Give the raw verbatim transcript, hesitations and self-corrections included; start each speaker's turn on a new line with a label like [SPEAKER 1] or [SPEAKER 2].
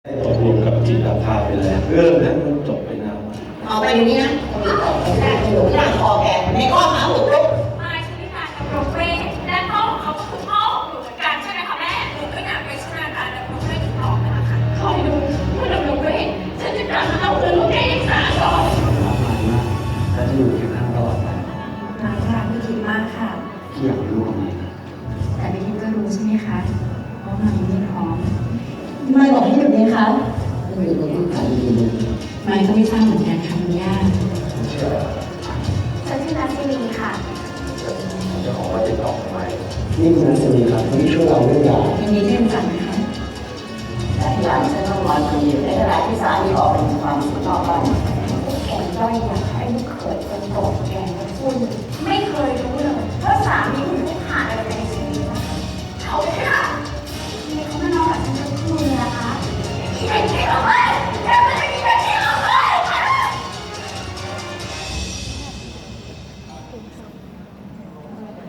[SPEAKER 1] ได้ตกลงกับจิตาภาไปแล้วเรื่องนั้นมันจบไปนาน
[SPEAKER 2] เอาไปอย่างนี้นะมีออกแค่หนูร่างคอแกในข้อหาบุกรุก
[SPEAKER 3] นายชลิตากับโรเฟ่และพ่อของเขาก็คือพ่อของหนูเหมือนกันใช่ไหมคะแม่หนูไม่อยากไปชนะการและโรเฟ่อีกต่อไปนะคะคอยดูเมื่อโรเฟ่ฉันจะกลับมาเอาคืนลูกแกอีกสามรอบ
[SPEAKER 1] รักมากมากและจะอยู่เคียงข้างตลอดไป
[SPEAKER 4] นายค่ะพี่คิดมากค่ะ
[SPEAKER 1] พี่อยากมีลูกกับมัน
[SPEAKER 4] แต่พี่คิดก็รู้ใช่ไหมคะว่ามันไม่พร้อม
[SPEAKER 2] ไม่บอกให้หยุดเลยคะ
[SPEAKER 1] ไม่มีคนที่ขายดีเลย
[SPEAKER 4] ไม่ก็ไม่ทราบเหมือนกันค่ะคุณย่า
[SPEAKER 1] ฉันเชื่อ
[SPEAKER 3] ฉันชื่อนัทสินีค่ะ
[SPEAKER 1] เจ้าของว่าติดต่อไปนี่คือนัทสินีครับคนที่ช่วยเราเรื่องยา
[SPEAKER 4] วันนี้เรียนจันนะคะ
[SPEAKER 2] แต่ที่หลังฉันต้องนอนคนเดียวในขณะที่สามีออกไปทำความสุขนอกบ้าน
[SPEAKER 3] แข็งด้อยอยากให้ลูก